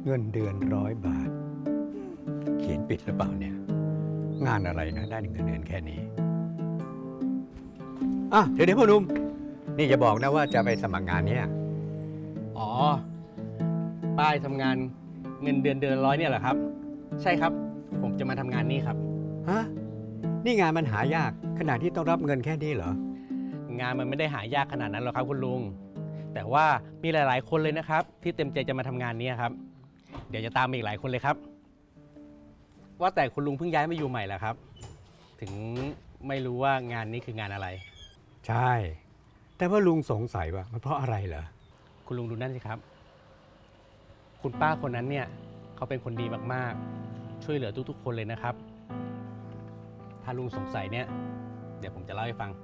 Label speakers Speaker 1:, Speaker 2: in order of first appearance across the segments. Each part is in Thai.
Speaker 1: เงินเดือน100 บาท เขียนปิดหรือเปล่าเนี่ย งานอะไรนะได้เงินเดือนแค่นี้เดี๋ยวพ่อหนุ่มนี่จะบอกนะว่าจะไปสมัครงานเนี้ย
Speaker 2: อ๋อ ป้ายทำงานเงินเดือน100เนี่ยเหรอครับ ใช่ครับ ผมจะมาทำงานนี่ครับ
Speaker 1: ฮะนี่งานมันหายากขนาดที่ต้องรับเงินแค่นี้เหรอ
Speaker 2: งานมันไม่ได้หายากขนาดนั้นหรอกครับคุณลุง แต่ว่ามีหลายๆ คนเลยนะครับ ที่เต็มใจจะมาทำงานนี้ครับ เดี๋ยวจะตามมาอีกหลายคนเลยครับ ว่าแต่คุณลุงเพิ่งย้ายมาอยู่ใหม่แล้วครับ ถึงไม่รู้ว่างานนี้คืองานอะไร
Speaker 1: ใช่ แต่ว่าลุงสงสัยว่ามันเพราะอะไรเหรอ
Speaker 2: คุณลุงดูนั่นสิครับ คุณป้าคนนั้นเนี่ยเขาเป็นคนดีมากๆ ช่วยเหลือทุกๆ คนเลยนะครับ ถ้าลุงสงสัยเนี่ยเดี๋ยวผมจะเล่าให้ฟัง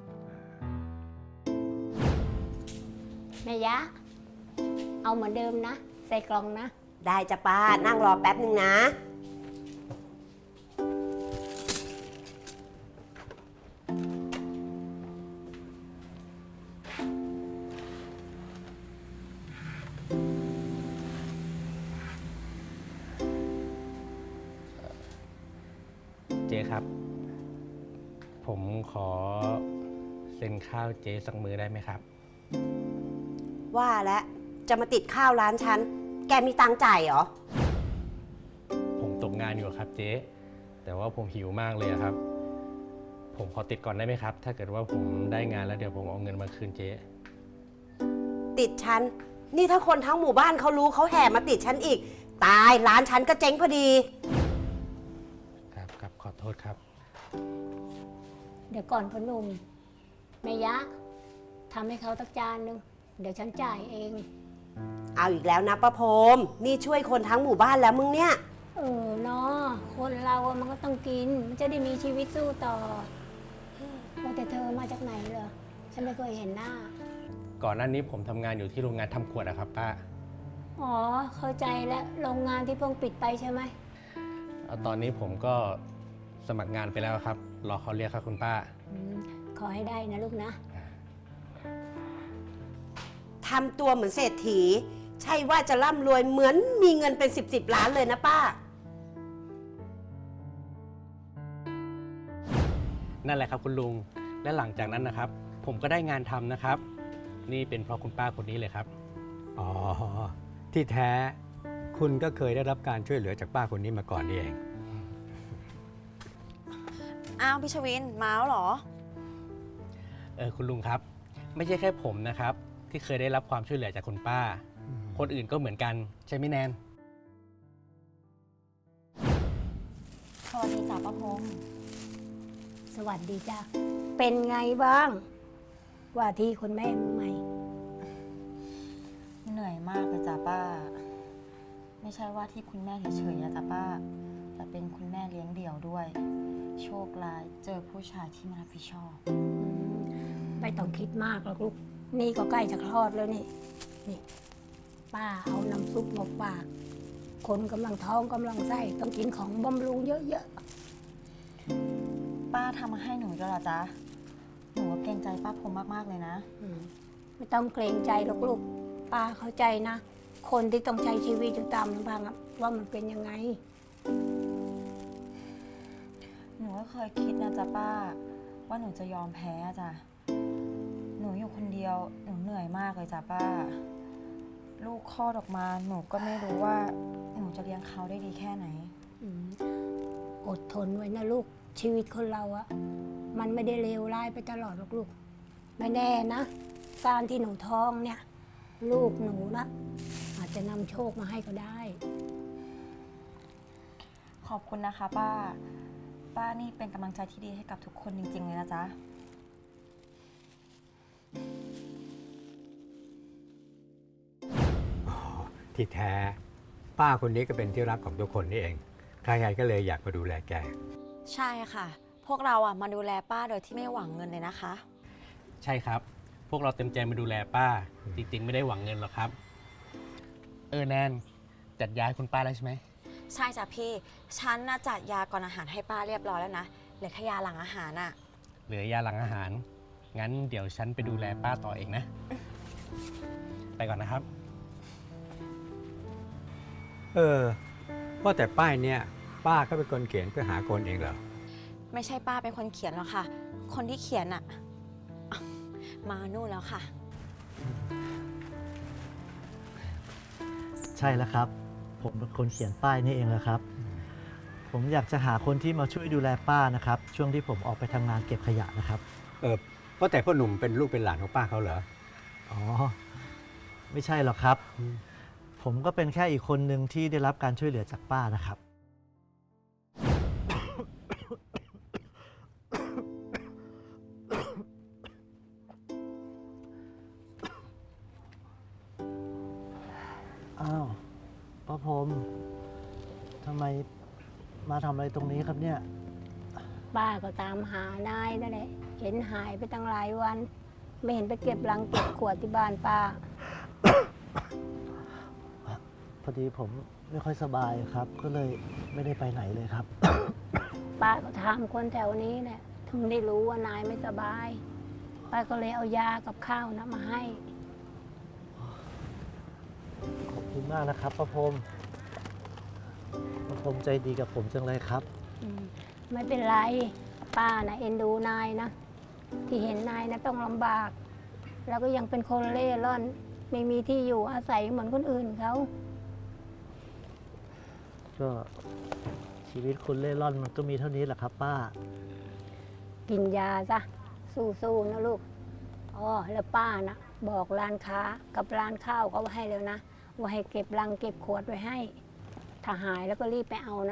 Speaker 3: แม่ยะ เอาเหมือนเดิมนะ ใส่กล่องนะ
Speaker 4: ได้จ้ะป้า นั่งรอแป๊บนึงนะ
Speaker 2: เจ๊ครับ ผมขอเซ็นข้าวเจ๊สักมือได้ไหมครับ
Speaker 4: ว่าแล้วจะมาติดข้าวร้านฉัน แกมีตังค์จ่ายเหรอ
Speaker 2: ผมตกงานอยู่ครับเจ๊ แต่ว่าผมหิวมากเลยอะครับ ผมขอติดก่อนได้ไหมครับ ถ้าเกิดว่าผมได้งานแล้วเดี๋ยวผมเอาเงินมาคืนเจ๊
Speaker 4: ติดฉัน นี่ถ้าคนทั้งหมู่บ้านเขารู้เขาแห่มาติดฉันอีก ตายร้านฉันก็เจ๊งพอดี
Speaker 2: ครับขอโทษครับ
Speaker 3: เดี๋ยวก่อนพ่อหนุ่มแม่ยะทำให้เขาตักจานนึง เดี๋ยวฉันจ่ายเอง
Speaker 4: เอาอีกแล้วนะป้าพรมนี่ช่วยคนทั้งหมู่บ้านแล้วมึงเนี่ย
Speaker 3: เนาะคนเราอะมันก็ต้องกิน มันจะได้มีชีวิตสู้ต่อว่าแต่เธอมาจากไหนเหรอ ฉันไม่เคยเห็นหน้า
Speaker 2: ก่อนหน้านี้ผมทำงานอยู่ที่โรงงานทำขวดอะครับป้า
Speaker 3: อ๋อ เข้าใจแล้วโรงงานที่เพิ่งปิดไปใช่ไหม
Speaker 2: ตอนนี้ผมก็สมัครงานไปแล้วครับ รอเขาเรียกครับคุณป้า
Speaker 3: ขอให้ได้นะลูกนะ
Speaker 4: ทำตัวเหมือนเศรษฐี ใช่ว่าจะร่ำรวยเหมือนมีเงินเป็น10 ล้านเลยนะป้า
Speaker 2: นั่นแหละครับคุณลุง และหลังจากนั้นนะครับ ผมก็ได้งานทำนะครับ นี่เป็นเพราะคุณป้าคนนี้เลยครับ
Speaker 1: อ๋อ ที่แท้คุณก็เคยได้รับการช่วยเหลือจากป้าคนนี้มาก่อนนี่เอง
Speaker 5: อ้าวพี่ชวินมาแล้วเหรอ
Speaker 2: คุณลุงครับ ไม่ใช่แค่ผมนะครับ ที่เคยได้รับความช่วยเหลือจากคุณป้า คนอื่นก็เหมือนกันใช่ไหมแนน
Speaker 5: สวัสดีจ้าป้าพงษ์
Speaker 3: สวัสดีจ้ะเป็นไงบ้าง ว่าที่คุณแม่มือใหม่
Speaker 5: เหนื่อยมากเลยจ้าป้า ไม่ใช่ว่าที่คุณแม่เฉยๆนะจ้าป้า แต่เป็นคุณแม่เลี้ยงเดี่ยวด้วย โชคร้ายเจอผู้ชายที่ไม่รับผิดชอบ
Speaker 3: ไม่ต้องคิดมากหรอกลูก นี่ก็ใกล้จะคลอดแล้วนี่ นี่ ป้าเอาน้ำซุปมาฝาก คนกำลังท้องกำลังไส้ต้องกินของบำรุงเยอะ
Speaker 5: ป้าทำมาให้หนูด้วยเหรอจ๊ะ หนูว่าเกรงใจป้าพงษ์มากๆเลยนะ
Speaker 3: ๆไม่ต้องเกรงใจหรอกลูก ป้าเข้าใจนะ คนที่ต้องใช้ชีวิตอยู่ตามลำพังอะว่ามันเป็นยังไง
Speaker 5: หนูก็เคยคิดนะจ๊ะป้า ว่าหนูจะยอมแพ้อะจ้ะ หนูอยู่คนเดียว หนูเหนื่อยมากเลยจ้ะป้า ลูกคลอดออกมา หนูก็ไม่รู้ว่าหนูจะเลี้ยงเขาได้ดีแค่ไหน
Speaker 3: อดทนไว้นะลูก ชีวิตคนเราอะมันไม่ได้เลวร้ายไปตลอดหรอกลูก ไม่แน่นะ การที่หนูท้องเนี่ย ลูกหนูนะอาจจะนำโชคมาให้ก็ได้
Speaker 5: ขอบคุณนะคะป้า ป้านี่เป็นกำลังใจที่ดีให้กับทุกคนจริงๆเลยนะจ๊ะ
Speaker 1: ที่แท้ป้าคนนี้ก็เป็นที่รักของทุกคนนี่เอง ใครๆก็เลยอยากมาดูแลแก
Speaker 5: ใช่ค่ะ พวกเรามาดูแลป้าโดยที่ไม่หวังเงินเลยนะคะ
Speaker 2: ใช่ครับ พวกเราเต็มใจมาดูแลป้า จริงๆ ไม่ได้หวังเงินหรอกครับ แนนจัดยาให้คุณป้าแล้วใช่ไหม
Speaker 5: ใช่จ้ะพี่ ฉันน่ะจัดยาก่อนอาหารให้ป้าเรียบร้อยแล้วนะ เหลือแค่ยาหลังอาหารน่ะ
Speaker 2: เหลือยาหลังอาหาร งั้นเดี๋ยวฉันไปดูแลป้าต่อเองนะ ไปก่อนนะครับ
Speaker 1: ว่าแต่ป้ายเนี่ยป้าก็เป็นคนเขียนเพื่อหาคนเองเหรอ
Speaker 5: ไม่ใช่ป้าเป็นคนเขียนหรอกค่ะ คนที่เขียนอะมานู่นแล้วค่ะ
Speaker 6: ใช่แล้วครับ ผมเป็นคนเขียนป้ายนี่เองแหละครับ ผมอยากจะหาคนที่มาช่วยดูแลป้านะครับ ช่วงที่ผมออกไปทำงานเก็บขยะนะครับ
Speaker 1: ว่าแต่พ่อหนุ่มเป็นลูกเป็นหลานของป้าเขาเหรอ
Speaker 6: อ๋อ ไม่ใช่หรอกครับ ผมก็เป็นแค่อีกคนหนึ่งที่ได้รับการช่วยเหลือจากป้านะครับ อ้าวป้าพรมทำไมมาทำอะไรตรงนี้ครับเนี่ย
Speaker 3: ป้าก็ตามหานายนั่นแหละเห็นหายไปตั้งหลายวัน ไม่เห็นไปเก็บลังเก็บขวดที่บ้านป้า
Speaker 6: พอดีผมไม่ค่อยสบายครับ ก็เลยไม่ได้ไปไหนเลยครับ
Speaker 3: ป้าก็ถามคนแถวนี้แหละถึงได้รู้ว่านายไม่สบาย ป้าก็เลยเอายากับข้าวนะมาให้
Speaker 6: ขอบคุณมากนะครับป้าพรมป้าพรมใจดีกับผมจังเลยครับ
Speaker 3: ไม่เป็นไร ป้านะเอ็นดูนายนะ ที่เห็นนายนะต้องลำบาก แล้วก็ยังเป็นคนเล่ร่อน ไม่มีที่อยู่อาศัยเหมือนคนอื่นเขา
Speaker 6: ก็ชีวิตคนเล่ร่อนมันก็มีเท่านี้แหละครับป้า
Speaker 3: กินยาซะสู้ๆนะลูกอ๋อแล้วป้านะบอกร้านค้ากับร้านข้าวเขาไว้ให้แล้วนะ ว่าให้เก็บลังเก็บขวดไว้ให้ ถ้าหายแล้วก็รีบไปเอานะ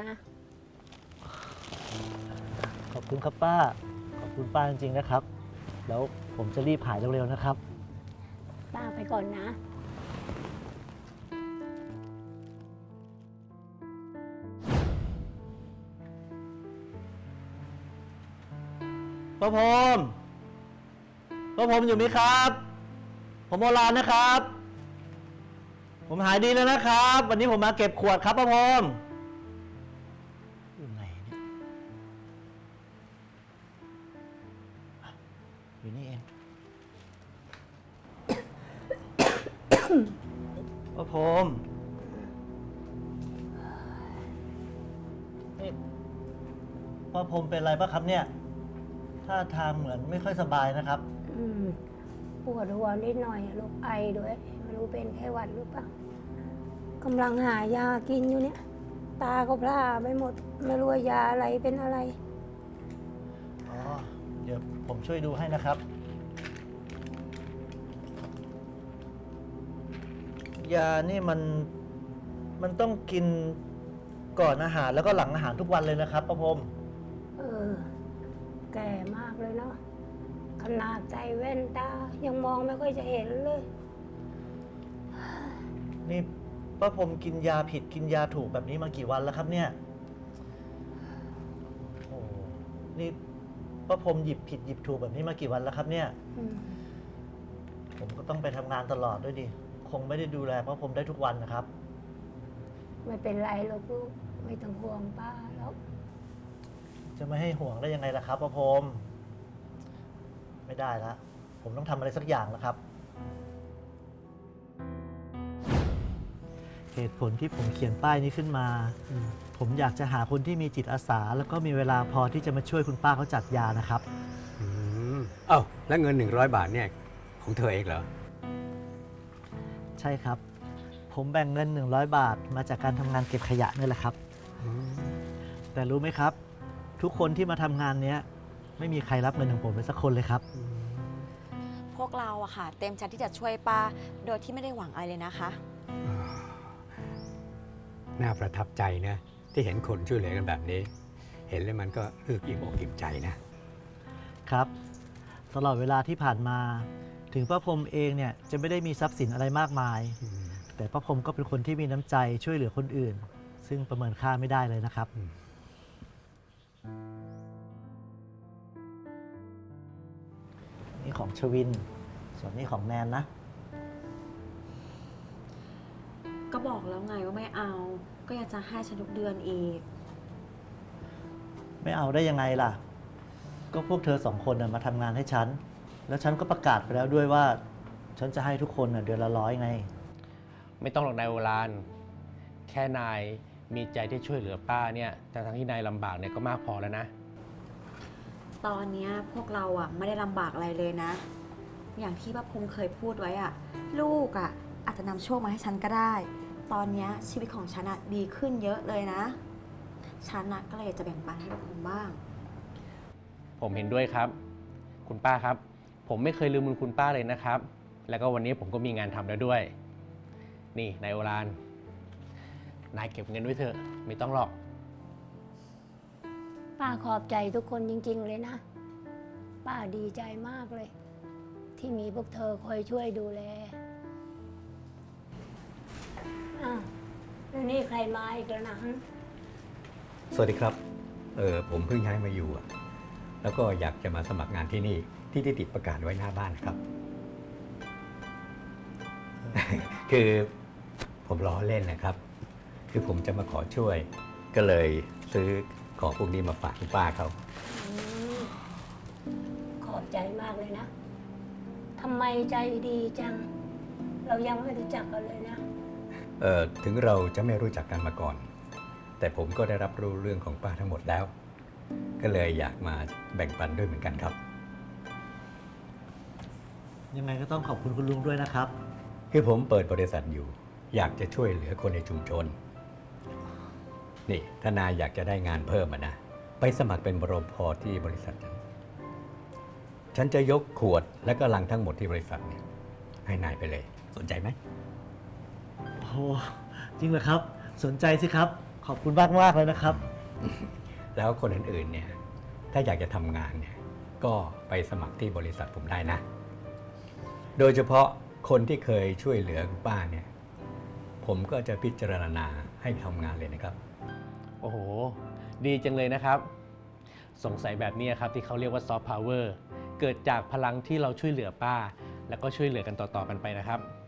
Speaker 6: ขอบคุณครับป้า ขอบคุณป้าจริงๆนะครับ แล้วผมจะรีบหายเร็วๆนะครับ
Speaker 3: ป้าไปก่อนนะ
Speaker 6: ป้าพรมป้าพรมอยู่ไหมครับ ผมโบราณนะครับ ผมหายดีแล้วนะครับ วันนี้ผมมาเก็บขวดครับป้าพรมอยู่ไหนเนี่ยอยู่นี่เอง ป้าพรมนี่ป้าพรมเป็นอะไรป่ะครับเนี่ยท่าทางเหมือนไม่ค่อยสบายนะครับ
Speaker 3: ปวดหัวนิดหน่อยลูกไอด้วย ไม่รู้เป็นไข้หวัดหรือเปล่ากำลังหายากินอยู่เนี่ย ตาก็พร่าไปหมด ไม่รู้ว่ายาอะไรเป็นอะไร
Speaker 6: อ๋อ เดี๋ยวผมช่วยดูให้นะครับ ยานี่มันต้องกินก่อนอาหารแล้วก็หลังอาหารทุกวันเลยนะครับป้าพรม
Speaker 3: เออ แก่มากเลยเนาะ ขนาดใส่แว่นตา ยังมองไม่ค่อยจะเห็นเลย
Speaker 6: นี่ป้าพรมกินยาผิดกินยาถูกแบบนี้มากี่วันแล้วครับเนี่ย โอ้นี่ป้าพรมหยิบผิดหยิบถูกแบบนี้มากี่วันแล้วครับเนี่ย ผมก็ต้องไปทำงานตลอดด้วยดิ คงไม่ได้ดูแลป้าพรมได้ทุกวันนะครับ
Speaker 3: ไม่เป็นไรหรอกลูก ไม่ต้องห่วงป้าแล้ว
Speaker 6: จะไม่ให้ห่วงได้ยังไงล่ะครับป้าพรมไม่ได้ละผมต้องทำอะไรสักอย่างแล้วครับ เหตุผลที่ผมเขียนป้ายนี้ขึ้นมา ผมอยากจะหาคนที่มีจิตอาสา แล้วก็มีเวลาพอที่จะมาช่วยคุณป้าเขาจัดยานะครับ
Speaker 1: เอ้าแล้วเงิน100 บาทเนี่ยของเธอเองเหรอ
Speaker 6: ใช่ครับ ผมแบ่งเงิน100 บาทมาจากการทำงานเก็บขยะนี่แหละครับ แต่รู้ไหมครับ ทุกคนที่มาทำงานเนี้ยไม่มีใครรับเงินของผมเลยสักคนเลยครับ
Speaker 5: พวกเราอะค่ะ เต็มใจที่จะช่วยป้า โดยที่ไม่ได้หวังอะไรเลยนะคะ
Speaker 1: น่าประทับใจนะที่เห็นคนช่วยเหลือกันแบบนี้ เห็นแล้วมันก็อิ่มอกอิ่มใจนะครับ
Speaker 6: ตลอดเวลาที่ผ่านมา ถึงป้าพรมเองเนี่ยจะไม่ได้มีทรัพย์สินอะไรมากมาย แต่ป้าพรมก็เป็นคนที่มีน้ำใจช่วยเหลือคนอื่น ซึ่งประเมินค่าไม่ได้เลยนะครับ นี่ของชวิน ส่วนนี้ของแนนนะ
Speaker 5: ก็บอกแล้วไงว่าไม่เอา ก็อยากจะให้ฉันทุกเดือนอีก
Speaker 6: ไม่เอาได้ยังไงล่ะ ก็พวกเธอสองคนน่ะมาทำงานให้ฉัน แล้วฉันก็ประกาศไปแล้วด้วยว่า ฉันจะให้ทุกคนน่ะเดือนละ100ไง
Speaker 2: ไม่ต้องหรอกนายโอรานทค่นายมีใจที่ช่วยเหลือป้าเนี่ยแต่ทั้งที่นายลำบากเนี่ยก็มากพอแล้วนะ
Speaker 5: ตอนเนี้ยพวกเราอ่ะไม่ได้ลำบากอะไรเลยนะ อย่างที่ป้าภูมิเคยพูดไว้อ่ะ ลูกอ่ะอาจจะนำโชคมาให้ฉันก็ได้ ตอนเนี้ยชีวิตของฉันอ่ะดีขึ้นเยอะเลยนะ ฉันอ่ะก็เลยอยากจะแบ่งปันให้ป้าภูมิบ้าง
Speaker 2: ผมเห็นด้วยครับ คุณป้าครับ ผมไม่เคยลืมบุญคุณป้าเลยนะครับ แล้วก็วันนี้ผมก็มีงานทำแล้วด้วย นี่นายโอรานนายเก็บเงินไว้เถอะไม่ต้องหรอก
Speaker 3: ป้าขอบใจทุกคนจริง ๆ เลยนะ ป้าดีใจมากเลย ที่มีพวกเธอคอยช่วยดูแลอ้าวแล้วนี่ใครมาอีกแล้วนะ
Speaker 1: สวัสดีครับ ผมเพิ่งย้ายมาอยู่อะแล้วก็อยากจะมาสมัครงานที่นี่ที่ได้ติดประกาศไว้หน้าบ้านครับ คือผมล้อเล่นนะครับ คือผมจะมาขอช่วย ก็เลยซื้อของพวกนี้มาฝากคุณป้าเขา
Speaker 3: ขอบใจมากเลยนะ ทำไมใจดีจัง เรายังไม่รู้จักกันเลยนะ
Speaker 1: ถึงเราจะไม่รู้จักกันมาก่อน แต่ผมก็ได้รับรู้เรื่องของป้าทั้งหมดแล้ว ก็เลยอยากมาแบ่งปันด้วยเหมือนกันครับ
Speaker 6: ยังไงก็ต้องขอบคุณคุณลุงด้วยนะครับ
Speaker 1: คือผมเปิดบริษัทอยู่ อยากจะช่วยเหลือคนในชุมชน นี่ถ้านายอยากจะได้งานเพิ่มนะ ไปสมัครเป็นบรพ.ที่บริษัทฉันจะยกขวดและก็ลังทั้งหมดที่บริษัทเนี่ยให้นายไปเลย สนใจไหม
Speaker 6: โอ้โหจริงเหรอครับ สนใจสิครับ ขอบคุณมากมากๆเลยนะครับ
Speaker 1: แล้วคนอื่นๆเนี่ยถ้าอยากจะทำงานเนี่ยก็ไปสมัครที่บริษัทผมได้นะ โดยเฉพาะคนที่เคยช่วยเหลือคุณป้าเนี่ยผมก็จะพิจารณาให้ทำงานเลยนะครับ
Speaker 2: โอ้โห ดีจังเลยนะครับ สงสัยแบบนี้ครับที่เขาเรียกว่าซอฟต์พาวเวอร์เกิดจากพลังที่เราช่วยเหลือป้า แล้วก็ช่วยเหลือกันต่อๆกันไปนะครับ